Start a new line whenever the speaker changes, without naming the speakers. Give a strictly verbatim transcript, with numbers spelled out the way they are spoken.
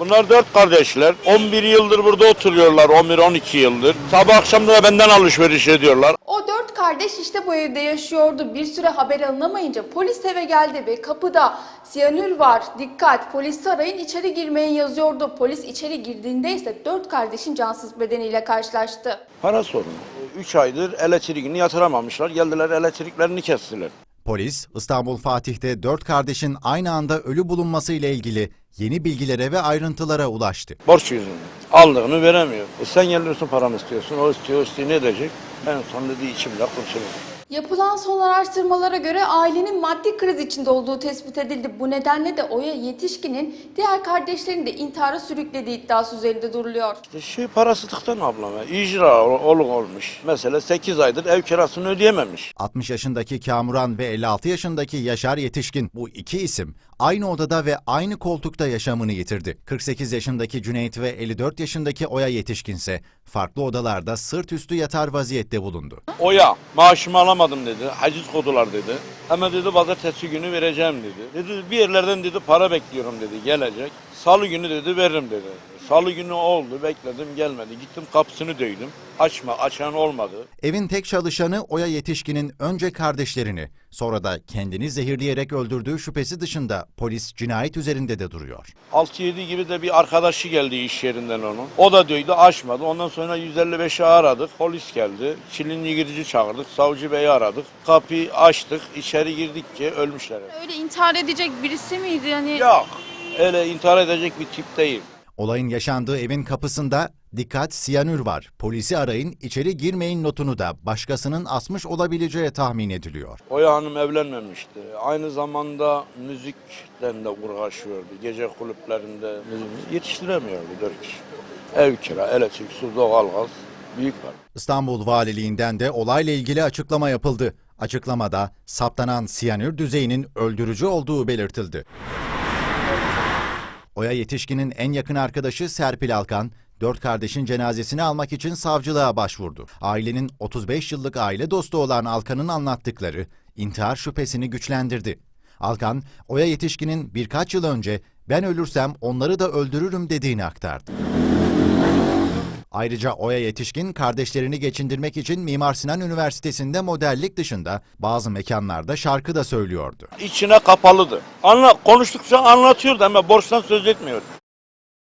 Bunlar dört kardeşler. on bir yıldır burada oturuyorlar. on bir on iki yıldır. Sabah akşam da benden alışveriş ediyorlar.
O dört kardeş işte bu evde yaşıyordu. Bir süre haber alınamayınca polis eve geldi ve kapıda siyanür var, dikkat, polisi arayın, içeri girmeyin yazıyordu. Polis içeri girdiğinde ise dört kardeşin cansız bedeniyle karşılaştı.
Para sorunu. üç aydır elektriğini yatıramamışlar. Geldiler elektriklerini kestiler.
Polis, İstanbul Fatih'te dört kardeşin aynı anda ölü bulunması ile ilgili yeni bilgilere ve ayrıntılara ulaştı.
Borç yüzünden. Aldığını veremiyor. E sen geliyorsun paramı istiyorsun. O istiyor, o istiyor, ne edecek? En son dediği içimle kurtuluyor.
Yapılan son araştırmalara göre ailenin maddi kriz içinde olduğu tespit edildi. Bu nedenle de Oya Yetişkin'in diğer kardeşlerini de intihara sürüklediği iddiası üzerinde duruluyor.
İşte şey parasızlıktan ablam ya. İcra oluk olmuş. Mesela sekiz aydır ev kirasını ödeyememiş.
altmış yaşındaki Kamuran ve elli altı yaşındaki Yaşar Yetişkin, bu iki isim aynı odada ve aynı koltukta yaşamını yitirdi. kırk sekiz yaşındaki Cüneyt ve elli dört yaşındaki Oya Yetişkin ise farklı odalarda sırt üstü yatar vaziyette bulundu.
Oya maaşımı alamadım dedi. Haciz kodular dedi. Hemen dedi pazartesi günü vereceğim dedi. Dedi bir yerlerden dedi para bekliyorum dedi gelecek. Salı günü dedi veririm dedi. Salı günü oldu bekledim gelmedi. Gittim kapısını döydüm. Açma açan olmadı.
Evin tek çalışanı Oya Yetişkin'in önce kardeşlerini, sonra da kendini zehirleyerek öldürdüğü şüphesi dışında polis cinayet üzerinde de duruyor.
altı yedi gibi de bir arkadaşı geldi iş yerinden onun. O da döydü açmadı. Ondan sonra yüz elli beşi aradık. Polis geldi. Çilinli girici çağırdık. Savcı beyi aradık. Kapıyı açtık. İçeri girdikçe ölmüşler.
Öyle intihar edecek birisi miydi yani?
Yok. Öyle intihar edecek bir tip değil.
Olayın yaşandığı evin kapısında "Dikkat, siyanür var, polisi arayın, içeri girmeyin" notunu da başkasının asmış olabileceği tahmin ediliyor.
Oya Hanım evlenmemişti. Aynı zamanda müzikten de uğraşıyordu. Gece kulüplerinde müzik yetiştiremiyordu dört kişi. Ev kira, elektrik, su, doğalgaz büyük var.
İstanbul Valiliğinden de olayla ilgili açıklama yapıldı. Açıklamada saptanan siyanür düzeyinin öldürücü olduğu belirtildi. Oya Yetişkin'in en yakın arkadaşı Serpil Alkan, dört kardeşin cenazesini almak için savcılığa başvurdu. Ailenin otuz beş yıllık aile dostu olan Alkan'ın anlattıkları intihar şüphesini güçlendirdi. Alkan, Oya Yetişkin'in birkaç yıl önce "ben ölürsem onları da öldürürüm" dediğini aktardı. Ayrıca Oya Yetişkin, kardeşlerini geçindirmek için Mimar Sinan Üniversitesi'nde modellik dışında bazı mekanlarda şarkı da söylüyordu.
İçine kapalıdı. Anla, konuştukça anlatıyordu ama borçtan söz etmiyordu.